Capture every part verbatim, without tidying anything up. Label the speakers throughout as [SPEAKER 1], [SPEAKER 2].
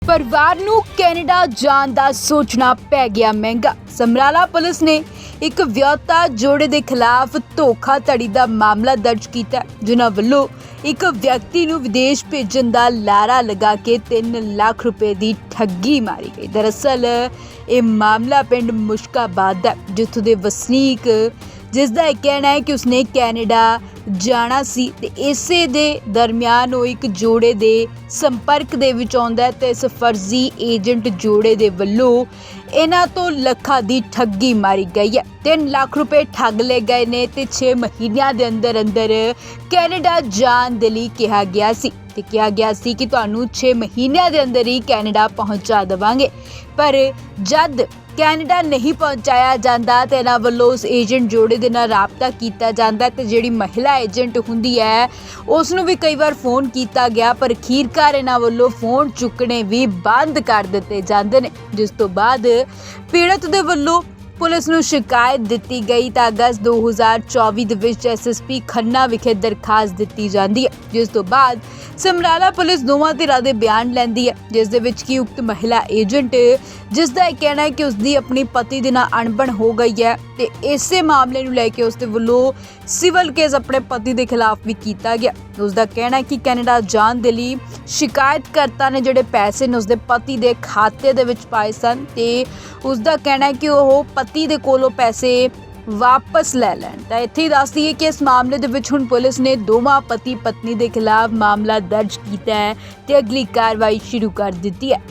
[SPEAKER 1] परिवार नू कैनेडा जान दा सोचना पै गया महंगा। समराला पुलिस ने एक विआहता जोड़े के खिलाफ धोखाधड़ी का मामला दर्ज किया, जिन्हां वल्लों एक व्यक्ति नू विदेश भेजण दा लारा लगा के तीन लाख रुपए की ठगी मारी गई। दरअसल ये मामला पिंड मुश्काबाद दा, जित्थों दे वसनीक जिसका यह कहना है कि उसने कैनेडा जाना सी ते इसे दे दरमियान वो एक जोड़े दे संपर्क दे विच आउंदा है ते इस फर्जी एजेंट जोड़े दे वल्लों इन्हां तो लखां दी ठगी मारी गई है। तीन लाख रुपए ठग ले गए ने ते छे महीनों के अंदर अंदर कैनेडा जान दे लई कहा गया सी ते कहा गया सी कि तुहानूं छे महीनों के अंदर ही कैनेडा पहुंचा देवांगे, पर जद कैनेडा नहीं पहुंचाया जाता तो इन्हां वल्लों उस एजेंट जोड़े दे नाल राबता किया जाता है। जिहड़ी महिला एजेंट हुंदी है उसनूं भी कई बार फोन किया गया, पर अखीरकार इन्हां वल्लों फोन चुकने भी बंद कर दिते जांदे ने, जिस तो बाद पीड़त दे वल्लों पुलिस नूं शिकायत दिती गई तो अगस्त दो हज़ार चौबी दे विच एस एस पी खन्ना विखे दरखास्त दिती जाती है, जिस तो बाद समराला पुलिस दोवां धिरां दे बयान लैंदी है, जिस दे विच कि उक्त महिला एजेंट जिसका यह कहना है कि उसकी अपनी पति दे नाल अणबण हो गई है ते इसे मामले नूं लैके उसदे वल्लों सिविल केस अपने पति के खिलाफ भी किया गया। उसका कहना है कि कैनेडा जान दे लई शिकायतकर्ता ने जिहड़े पैसे ने उसके पति के खाते दे विच पाए सन ते उसका कहना है कि वह पति दे कोलों पैसे वापस लै लैण। तां इत्थे दस दईए कि इस मामले दे विच हुण पुलिस ने दोवां पति पत्नी के खिलाफ मामला दर्ज किया है ते अगली कार्रवाई शुरू कर दी है।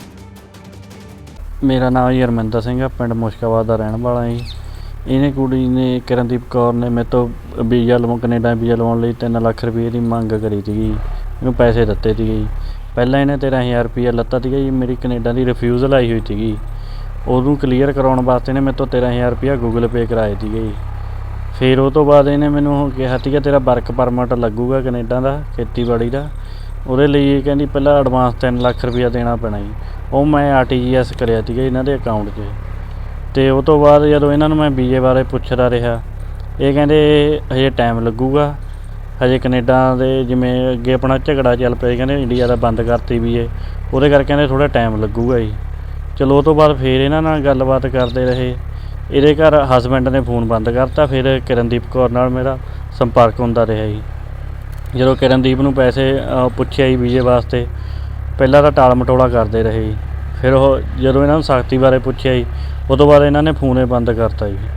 [SPEAKER 2] मेरा नाम जी हरमिंदर सिंह है, पिंड मुश्काबाद का रहने वाला जी। इन्हें कुड़ी ने किरणदीप कौर ने मेरे तो वीज़ा लवा कनेडा वीज़ा लवाउण लई तीन लाख रुपये की मंग करी थी, इन्हूं पैसे दिते थे जी। पहला इन्हें तेरह हज़ार रुपया लत्ता था जी, मेरी कनेडा की रिफ्यूज़ल आई हुई थी, उदों क्लीयर कराउण वास्ते ने मेरे तो तेरह हज़ार रुपया गूगल पे कराए थे जी। फिर उस तो बाद इन्हें मैनूं कहा कि तेरा वर्क परमिट लगूगा कनेडा का खेतीबाड़ी का, ਉਹਦੇ ਲਈ ਕਹਿੰਦੀ ਪਹਿਲਾਂ ਐਡਵਾਂਸ तीन ਲੱਖ ਰੁਪਇਆ ਦੇਣਾ ਪੈਣਾ ਜੀ। ਉਹ ਮੈਂ ਆਰ ਟੀ ਜੀ ਐਸ ਕਰਿਆ ਸੀਗਾ ਇਹਨਾਂ ਦੇ ਅਕਾਊਂਟ 'ਚ, ਅਤੇ ਉਹ ਤੋਂ ਬਾਅਦ ਜਦੋਂ ਇਹਨਾਂ ਨੂੰ ਮੈਂ ਵੀਜ਼ੇ ਬਾਰੇ ਪੁੱਛਦਾ ਰਿਹਾ, ਇਹ ਕਹਿੰਦੇ ਹਜੇ ਟਾਈਮ ਲੱਗੂਗਾ, ਹਜੇ ਕਨੇਡਾ ਦੇ ਜਿਵੇਂ ਅੱਗੇ ਆਪਣਾ ਝਗੜਾ ਚੱਲ ਪਿਆ, ਕਹਿੰਦੇ ਇੰਡੀਆ ਦਾ ਬੰਦ ਕਰਤੀ ਵੀਜ਼ੇ, ਉਹਦੇ ਕਰਕੇ ਕਹਿੰਦੇ ਥੋੜ੍ਹਾ ਟਾਈਮ ਲੱਗੂਗਾ ਜੀ। ਚਲੋ ਉਹ ਤੋਂ ਬਾਅਦ ਫਿਰ ਇਹਨਾਂ ਨਾਲ ਗੱਲਬਾਤ ਕਰਦੇ ਰਹੇ, ਇਹਦੇ ਘਰ ਹਸਬੈਂਡ ਨੇ ਫੋਨ ਬੰਦ ਕਰਤਾ, ਫਿਰ ਕਿਰਨਦੀਪ ਕੌਰ ਨਾਲ ਮੇਰਾ ਸੰਪਰਕ ਹੁੰਦਾ ਰਿਹਾ ਜੀ। ਜਦੋਂ ਕਿਰਨਦੀਪ ਨੂੰ ਪੈਸੇ ਪੁੱਛਿਆ ਜੀ ਵੀਜ਼ੇ ਵਾਸਤੇ, ਪਹਿਲਾਂ ਤਾਂ ਟਾਲ ਮਟੋਲਾ ਕਰਦੇ ਰਹੇ ਜੀ, ਫਿਰ ਉਹ ਜਦੋਂ ਇਹਨਾਂ ਨੂੰ ਸਖਤੀ ਬਾਰੇ ਪੁੱਛਿਆ ਜੀ, ਉਹ ਤੋਂ ਬਾਅਦ ਇਹਨਾਂ ਨੇ ਫੋਨ ਹੀ ਬੰਦ ਕਰਤਾ ਜੀ।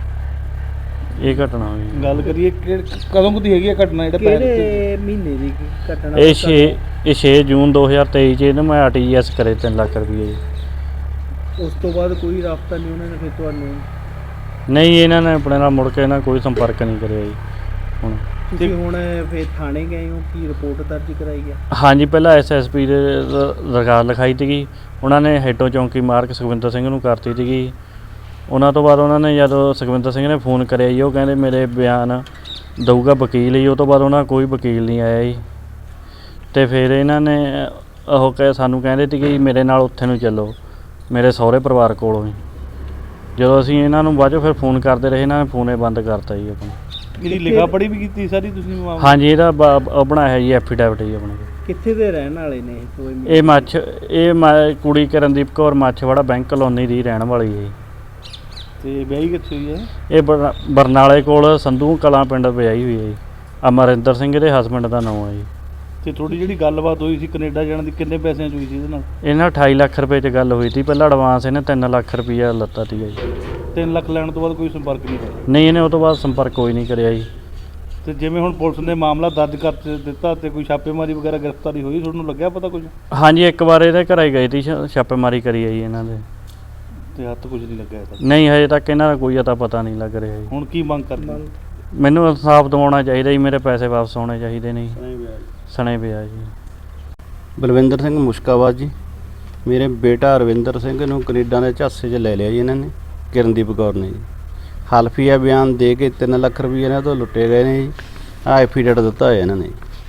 [SPEAKER 2] ਇਹ ਘਟਨਾ ਹੋਈ।
[SPEAKER 3] ਗੱਲ ਕਰੀਏ ਕਦੋਂ ਦੀ ਹੈਗੀ ਆ ਘਟਨਾ, ਜਿਹੜਾ
[SPEAKER 4] ਕਿਹੜੇ ਮਹੀਨੇ ਦੀ ਘਟਨਾ?
[SPEAKER 2] ਇਹ ਛੇ ਇਹ ਛੇ ਜੂਨ ਦੋ ਹਜ਼ਾਰ ਤੇਈ 'ਚ ਇਹਨੂੰ ਮੈਂ ਆਰ ਟੀ ਜੀ ਐਸ ਕਰੇ ਤਿੰਨ ਲੱਖ ਰੁਪਏ ਜੀ।
[SPEAKER 4] ਉਸ ਤੋਂ ਬਾਅਦ ਕੋਈ ਰਾਬਤਾ ਨਹੀਂ ਉਹਨਾਂ ਨੇ ਫਿਰ ਤੁਹਾਨੂੰ?
[SPEAKER 2] ਨਹੀਂ, ਇਹਨਾਂ ਨੇ ਆਪਣੇ ਨਾਲ ਮੁੜ ਕੇ ਇਹਨਾਂ ਕੋਈ ਸੰਪਰਕ ਨਹੀਂ ਕਰਿਆ ਜੀ। ਹੁਣ
[SPEAKER 4] ਤੁਸੀਂ ਹੁਣ ਫਿਰ ਥਾਣੇ ਗਏ ਹੋ, ਕੀ ਰਿਪੋਰਟ ਦਰਜ ਕਰਾਈ ਹੈ?
[SPEAKER 2] ਹਾਂਜੀ, ਪਹਿਲਾਂ ਐਸ ਐਸ ਪੀ ਦੇ ਦਰਖਾਸਤ ਲਿਖਾਈ ਸੀਗੀ, ਉਹਨਾਂ ਨੇ ਹੈਡੋ ਚੌਂਕੀ ਮਾਰਕ ਸੁਖਵਿੰਦਰ ਸਿੰਘ ਨੂੰ ਕਰਤੀ ਸੀਗੀ। ਉਹਨਾਂ ਤੋਂ ਬਾਅਦ ਉਹਨਾਂ ਨੇ ਜਦੋਂ ਸੁਖਵਿੰਦਰ ਸਿੰਘ ਨੇ ਫੋਨ ਕਰਿਆ ਜੀ, ਉਹ ਕਹਿੰਦੇ ਮੇਰੇ ਬਿਆਨ ਦਊਗਾ ਵਕੀਲ ਜੀ। ਉਹ ਤੋਂ ਬਾਅਦ ਉਹਨਾਂ ਕੋਈ ਵਕੀਲ ਨਹੀਂ ਆਇਆ ਜੀ, ਅਤੇ ਫਿਰ ਇਹਨਾਂ ਨੇ ਉਹ ਕਹਿ ਸਾਨੂੰ ਕਹਿੰਦੇ ਸੀ ਕਿ ਮੇਰੇ ਨਾਲ ਉੱਥੇ ਨੂੰ ਚੱਲੋ, ਮੇਰੇ ਸਹੁਰੇ ਪਰਿਵਾਰ ਕੋਲੋਂ ਹੀ। ਜਦੋਂ ਅਸੀਂ ਇਹਨਾਂ ਨੂੰ ਬਾਅਦ 'ਚੋਂ ਫਿਰ ਫੋਨ ਕਰਦੇ ਰਹੇ, ਇਹਨਾਂ ਨੇ ਫੋਨ ਹੀ ਬੰਦ ਕਰਤਾ ਜੀ ਆਪਣਾ।
[SPEAKER 3] ਇਹਦੀ ਲਿਖਾ ਪੜ੍ਹੀ ਵੀ ਕੀਤੀ ਸਾਰੀ ਤੁਸੀਂ?
[SPEAKER 2] ਹਾਂਜੀ, ਇਹਦਾ ਬ ਬਣਾਇਆ ਜੀ ਐਫੀਡੈਵਿਟ ਜੀ ਆਪਣੇ।
[SPEAKER 4] ਕਿੱਥੇ ਦੇ ਰਹਿਣ ਵਾਲੇ ਨੇ ਇਹ?
[SPEAKER 2] ਇਹ ਮੱਛ ਇਹ ਮ ਕੁੜੀ ਕਿਰਨਦੀਪ ਕੌਰ ਮੱਛਵਾੜਾ ਬੈਂਕ ਕਲੋਨੀ ਦੀ ਰਹਿਣ ਵਾਲੀ ਹੈ।
[SPEAKER 3] ਤੇ ਵਿਆਹੀ ਕਿੱਥੇ ਹੋਈ ਹੈ?
[SPEAKER 2] ਇਹ ਬਰ ਬਰਨਾਲੇ ਕੋਲ ਸੰਧੂ ਕਲਾਂ ਪਿੰਡ ਵਿਆਹੀ ਹੋਈ ਹੈ ਜੀ। ਅਮਰਿੰਦਰ ਸਿੰਘ ਦੇ ਹਸਬੈਂਡ ਦਾ ਨਾਮ ਹੈ ਜੀ।
[SPEAKER 3] ਤੇ ਤੁਹਾਡੀ ਜਿਹੜੀ ਗੱਲਬਾਤ ਹੋਈ ਸੀ ਕੈਨੇਡਾ ਜਾਣ ਦੀ, ਕਿੰਨੇ ਪੈਸਿਆਂ 'ਚ ਹੋਈ ਸੀ ਇਹਦੇ ਨਾਲ?
[SPEAKER 2] ਇਹਨਾਂ ਅਠਾਈ ਲੱਖ ਰੁਪਏ 'ਚ ਗੱਲ ਹੋਈ ਸੀ। ਪਹਿਲਾਂ ਐਡਵਾਂਸ ਇਹਨੇ ਤਿੰਨ ਲੱਖ ਰੁਪਈਆ ਲੱਤਾ ਸੀਗਾ ਜੀ।
[SPEAKER 3] ਤਿੰਨ ਲੱਖ ਲੈਣ ਤੋਂ ਬਾਅਦ ਕੋਈ ਸੰਪਰਕ ਨਹੀਂ ਹੋਇਆ?
[SPEAKER 2] ਨਹੀਂ, ਇਹਨੇ ਉਹ ਤੋਂ ਬਾਅਦ ਸੰਪਰਕ ਕੋਈ ਨਹੀਂ ਕਰਿਆ ਜੀ।
[SPEAKER 3] ਤੇ ਜਿਵੇਂ ਹੁਣ ਪੁਲਿਸ ਨੇ ਮਾਮਲਾ ਦਰਜ ਕਰ ਦਿੱਤਾ ਤੇ ਕੋਈ ਛਾਪੇਮਾਰੀ ਵਗੈਰਾ ਗ੍ਰਿਫਤਾਰੀ ਹੋਈ, ਤੁਹਾਨੂੰ ਲੱਗਿਆ ਪਤਾ ਕੁਝ?
[SPEAKER 2] ਹਾਂਜੀ, ਇੱਕ ਵਾਰ ਇਹਦੇ ਘਰ ਹੀ ਗਏ ਸੀ, ਛਾਪੇਮਾਰੀ ਕਰੀ ਹੈ ਜੀ ਇਹਨਾਂ ਦੇ,
[SPEAKER 3] ਤੇ ਹੱਥ ਕੁਝ ਨਹੀਂ ਲੱਗਿਆ ਇਹਦਾ?
[SPEAKER 2] ਨਹੀਂ, ਹਜੇ ਤੱਕ ਇਹਨਾਂ ਦਾ ਕੋਈ ਅਤਾ ਪਤਾ ਨਹੀਂ ਲੱਗ ਰਿਹਾ ਜੀ।
[SPEAKER 3] ਹੁਣ ਕੀ ਮੰਗ ਕਰਦੇ?
[SPEAKER 2] ਮੈਨੂੰ ਇਨਸਾਫ ਦਿਵਾਉਣਾ ਚਾਹੀਦਾ ਜੀ, ਮੇਰੇ ਪੈਸੇ ਵਾਪਸ ਆਉਣੇ ਚਾਹੀਦੇ ਨੇ ਜੀ। ਸਣੇ ਪਿਆ ਜੀ।
[SPEAKER 5] ਬਲਵਿੰਦਰ ਸਿੰਘ ਮੁਸ਼ਕਾਬਾਦ ਜੀ। ਮੇਰੇ ਬੇਟਾ ਅਰਵਿੰਦਰ ਸਿੰਘ ਨੂੰ ਕੈਨੇਡਾ ਦੇ ਝਾਂਸੇ 'ਚ ਲੈ ਲਿਆ ਜੀ ਇਹਨਾਂ ਨੇ, ਕਿਰਨਦੀਪ ਕੌਰ ਨੇ ਜੀ। ਹਲਫੀਆ ਬਿਆਨ ਦੇ ਕੇ ਤਿੰਨ ਲੱਖ ਰੁਪਏ ਇਹਨਾਂ ਤੋਂ ਲੁੱਟੇ ਗਏ ਨੇ ਜੀ। ਆਹ ਐਫੀਡੇਵਿਟ ਦਿੱਤਾ ਹੋਇਆ ਇਹਨਾਂ ਨੇ।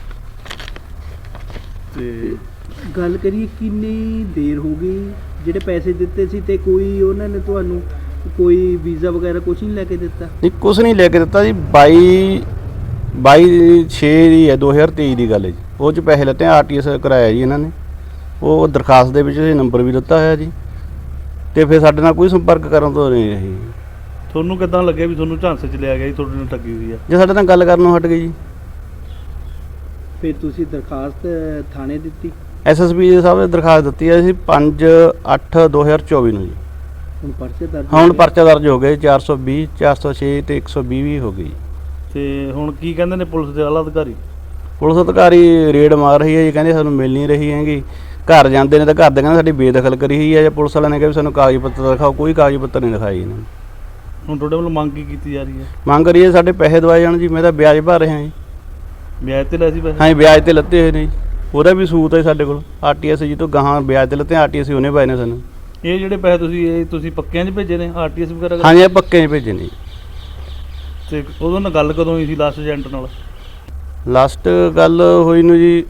[SPEAKER 4] ਤੇ ਗੱਲ ਕਰੀਏ ਕਿੰਨੀ ਦੇਰ ਹੋ ਗਈ ਜਿਹੜੇ ਪੈਸੇ ਦਿੱਤੇ ਸੀ, ਤੇ ਕੋਈ ਉਹਨਾਂ ਨੇ ਤੁਹਾਨੂੰ ਕੋਈ ਵੀਜ਼ਾ ਵਗੈਰਾ ਕੁਝ ਨਹੀਂ ਲੈ ਕੇ ਦਿੱਤਾ?
[SPEAKER 5] ਨਹੀਂ, ਕੁਛ ਨਹੀਂ ਲੈ ਕੇ ਦਿੱਤਾ ਜੀ। ਬਾਈ ਬਾਈ ਛੇ ਦੀ ਹੈ ਦੋ ਹਜ਼ਾਰ ਤੇਈ ਦੀ ਗੱਲ ਹੈ ਜੀ। ਉਹ 'ਚ ਪੈਸੇ ਲੱਤੇ, ਆਰ ਟੀ ਐਸ ਕਰਾਇਆ ਜੀ ਇਹਨਾਂ ਨੇ। ਉਹ ਦਰਖਾਸਤ ਦੇ ਵਿੱਚ ਇਹ ਨੰਬਰ ਵੀ ਦਿੱਤਾ ਹੋਇਆ ਜੀ, ਤੇ ਫਿਰ ਸਾਡੇ ਨਾਲ ਕੋਈ ਸੰਪਰਕ ਕਰਨ ਤੋਂ ਨਹੀਂ ਰਹੀ।
[SPEAKER 3] ਤੁਹਾਨੂੰ ਕਿੱਦਾਂ ਲੱਗਿਆ ਵੀ ਤੁਹਾਨੂੰ ਝਾਂਸੇ 'ਚ ਲਿਆ ਗਿਆ ਜੀ, ਤੁਹਾਡੇ ਨਾਲ ਠੱਗੀ ਹੋਈ ਆ?
[SPEAKER 5] ਜੇ ਸਾਡੇ ਨਾਲ ਗੱਲ ਕਰਨੋਂ ਹਟ ਗਈ ਜੀ।
[SPEAKER 4] ਫਿਰ ਤੁਸੀਂ ਦਰਖਾਸਤ ਥਾਣੇ ਦਿੱਤੀ?
[SPEAKER 5] ਐਸ ਐਸ ਪੀ ਸਾਹਿਬ ਨੇ ਦਰਖਾਸਤ ਦਿੱਤੀ ਹੈ ਸੀ ਪੰਜ ਅੱਠ ਦੋ ਹਜ਼ਾਰ ਚੌਵੀ ਨੂੰ ਜੀ।
[SPEAKER 4] ਹੁਣ ਪਰਚੇ ਦਰਜ
[SPEAKER 5] ਹੁਣ
[SPEAKER 4] ਹੋਏ?
[SPEAKER 5] ਪਰਚਾ ਦਰਜ ਹੋ ਗਏ ਚਾਰ ਸੌ ਵੀਹ, ਚਾਰ ਸੌ ਛੇ ਤੇ ਇੱਕ ਸੌ ਵੀਹ ਵੀ ਹੋ ਗਈ।
[SPEAKER 3] ਤੇ ਹੁਣ ਕੀ ਕਹਿੰਦੇ ਨੇ ਪੁਲਿਸ ਦੇ ਆਲਾ ਅਧਿਕਾਰੀ?
[SPEAKER 5] ਪੁਲਿਸ ਅਧਿਕਾਰੀ ਰੇਡ ਮਾਰ ਰਹੀ ਹੈ ਜੀ, ਕਹਿੰਦੇ ਸਾਨੂੰ ਮਿਲ ਨਹੀਂ ਰਹੀ ਹੈਗੀ। ਘਰ ਜਾਂਦੇ ਨੇ ਤਾਂ ਘਰ ਦੇ ਕਹਿੰਦੇ ਸਾਡੀ ਬੇਦਖਲ ਕਰੀ ਹੋਈ ਹੈ, ਜਾਂ ਪੁਲਿਸ ਵਾਲਿਆਂ ਨੇ ਕਿਹਾ ਵੀ ਸਾਨੂੰ ਕਾਗਜ਼ ਪੱਤਰ ਦਿਖਾਓ, ਕੋਈ ਕਾਗਜ਼ ਪੱਤਰ ਨਹੀਂ ਦਿਖਾਈ ਇਹਨਾਂ ਨੇ।
[SPEAKER 3] ਹੁਣ ਤੁਹਾਡੇ ਵੱਲੋਂ ਮੰਗ ਕੀ ਕੀਤੀ ਜਾ ਰਹੀ ਹੈ?
[SPEAKER 5] ਮੰਗ ਕਰੀਏ ਸਾਡੇ ਪੈਸੇ ਦਵਾਏ ਜਾਣ ਜੀ, ਮੈਂ ਤਾਂ ਵਿਆਜ ਭਰ ਰਿਹਾ ਜੀ।
[SPEAKER 3] ਵਿਆਜ ਤੇ ਲਏ ਸੀ ਪੈਸੇ?
[SPEAKER 5] ਹਾਂਜੀ ਵਿਆਜ ਤੇ ਲੱਤੇ ਹੋਏ ਨੇ ਜੀ, ਉਹਦਾ ਵੀ ਸੂਤ ਹੈ ਸਾਡੇ ਕੋਲ। ਆਰ ਟੀ ਐਸ ਜੀ ਤੋਂ ਗਾਹਾਂ ਵਿਆਜ ਤੇ ਲੱਤੇ, ਆਰ ਟੀ ਐਸ ਉਹਨੇ ਪਾਏ ਨੇ ਸਾਨੂੰ।
[SPEAKER 3] ਇਹ ਜਿਹੜੇ ਪੈਸੇ ਤੁਸੀਂ ਇਹ ਤੁਸੀਂ ਪੱਕਿਆਂ 'ਚ ਭੇਜੇ ਨੇ ਆਰ ਟੀ ਐਸ ਵਗੈਰਾ ਕਰਕੇ?
[SPEAKER 5] ਹਾਂਜੀ ਇਹ ਪੱਕੇ 'ਚ ਭੇਜੇ ਨੇ ਜੀ।
[SPEAKER 3] ਤੇ ਉਦੋਂ ਨਾਲ ਗੱਲ ਕਦੋਂ ਹੋਈ ਸੀ ਲਾਸਟ ਏਜੰਟ ਨਾਲ?
[SPEAKER 5] ਲਾਸਟ ਗੱਲ ਹੋਈ ਨੂੰ ਜੀ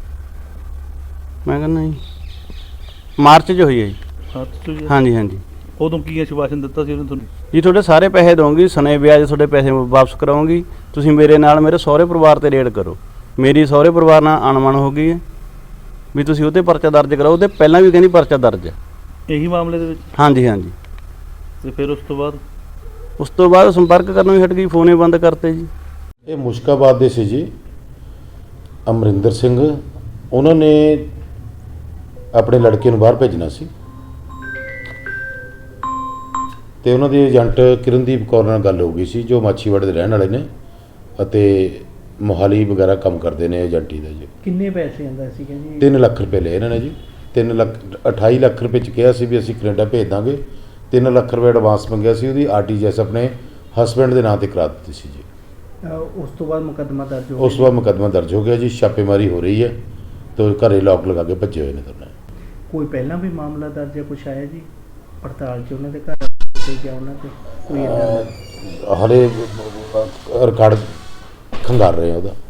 [SPEAKER 5] ਮੈਂ ਕਹਿੰਦਾ ਜੀ ਮਾਰਚ 'ਚ ਹੋਈ ਹੈ ਜੀ।
[SPEAKER 3] ਹਾਂ ਤੁਸੀਂ
[SPEAKER 5] ਹਾਂਜੀ ਹਾਂਜੀ
[SPEAKER 3] ਉਦੋਂ ਕੀ ਆਸ਼ਵਾਸਨ ਦਿੱਤਾ ਸੀ ਉਹਨੇ ਤੁਹਾਨੂੰ?
[SPEAKER 5] ਜੀ ਤੁਹਾਡੇ ਸਾਰੇ ਪੈਸੇ ਦਵਾਂਗੀ, ਸਣੇ ਵਿਆਜ ਤੁਹਾਡੇ ਪੈਸੇ ਵਾਪਸ ਕਰਾਉਂਗੀ, ਤੁਸੀਂ ਮੇਰੇ ਨਾਲ ਮੇਰੇ ਸਹੁਰੇ ਪਰਿਵਾਰ ਤੇ ਰੇਡ ਕਰੋ। ਮੇਰੀ ਸਹੁਰੇ ਪਰਿਵਾਰ ਨਾਲ ਅਣਮਨ ਹੋ ਗਈ ਹੈ ਵੀ ਤੁਸੀਂ ਉਹਤੇ ਪਰਚਾ ਦਰਜ ਕਰਾਓ, ਉਹਦੇ ਪਹਿਲਾਂ ਵੀ ਕਹਿੰਦੀ ਪਰਚਾ ਦਰਜ ਹੈ।
[SPEAKER 3] ਇਹੀ ਮਾਮਲੇ ਦੇ ਵਿੱਚ?
[SPEAKER 5] ਹਾਂਜੀ ਹਾਂਜੀ।
[SPEAKER 3] ਤੇ ਫਿਰ ਉਸ ਤੋਂ ਬਾਅਦ?
[SPEAKER 5] ਉਸ ਤੋਂ ਬਾਅਦ ਸੰਪਰਕ ਕਰਨੋਂ ਹੀ ਹਟ ਗਈ, ਫੋਨ ਹੀ ਬੰਦ ਕਰਤੇ ਜੀ।
[SPEAKER 6] ਇਹ ਮੁਸ਼ਕਾਬਾਦ ਦੇ ਸੀ ਜੀ ਅਮਰਿੰਦਰ ਸਿੰਘ, ਉਹਨਾਂ ਨੇ ਆਪਣੇ ਲੜਕੇ ਨੂੰ ਬਾਹਰ ਭੇਜਣਾ ਸੀ ਤੇ ਉਹਨਾਂ ਦੇ ਏਜੰਟ ਕਿਰਨਦੀਪ ਕੌਰ ਨਾਲ ਗੱਲ ਹੋ ਗਈ ਸੀ, ਜੋ ਮਾਛੀਵਾੜੇ ਦੇ ਰਹਿਣ ਵਾਲੇ ਨੇ ਅਤੇ ਮੋਹਾਲੀ ਵਗੈਰਾ ਕੰਮ ਕਰਦੇ ਨੇ ਏਜੰਟੀ ਦਾ ਜੀ।
[SPEAKER 4] ਕਿੰਨੇ ਪੈਸੇ ਆਂਦਾ ਸੀਗਾ ਜੀ?
[SPEAKER 6] ਤਿੰਨ ਲੱਖ ਰੁਪਏ ਲਏ ਇਹਨਾਂ ਨੇ ਜੀ। ਤਿੰਨ ਲੱਖ ਅਠਾਈ ਲੱਖ ਰੁਪਏ 'ਚ ਕਿਹਾ ਸੀ ਵੀ ਅਸੀਂ ਕੈਨੇਡਾ ਭੇਜ ਦਾਂਗੇ। ਤਿੰਨ ਲੱਖ ਰੁਪਏ ਐਡਵਾਂਸ ਮੰਗਿਆ ਸੀ, ਉਹਦੀ ਆਰ ਟੀ ਜੀ ਐਸ ਆਪਣੇ ਹਸਬੈਂਡ ਦੇ ਨਾਂ ਤੇ ਕਰਾ ਦਿੱਤੀ ਸੀ ਜੀ।
[SPEAKER 4] ਅਹ ਉਸ ਤੋਂ ਬਾਅਦ ਮੁਕੱਦਮਾ ਦਰਜ ਹੋ
[SPEAKER 6] ਉਸ ਤੋਂ ਬਾਅਦ ਮੁਕੱਦਮਾ ਦਰਜ ਹੋ ਗਿਆ ਜੀ, ਛਾਪੇਮਾਰੀ ਹੋ ਰਹੀ ਹੈ ਤੇ ਘਰੇ ਲੋਕ ਲਗਾ ਕੇ ਭੱਜੇ ਹੋਏ ਨੇ ਦੋਨੇ।
[SPEAKER 4] ਕੋਈ ਪਹਿਲਾਂ ਵੀ ਮਾਮਲਾ ਦਰਜ ਹੈ, ਕੁਛ ਆਇਆ ਜੀ ਪੜਤਾਲ 'ਚ ਉਹਨਾਂ ਦੇ ਘਰ ਤੇ ਜਾਂ ਉਹਨਾਂ ਤੇ ਕੋਈ ਏਦਾਂ ਦਾ?
[SPEAKER 6] ਹਾਲੇ ਰਿਕਾਰਡ ਖੰਗਾਰ ਰਹੇ ਆ ਉਹਦਾ।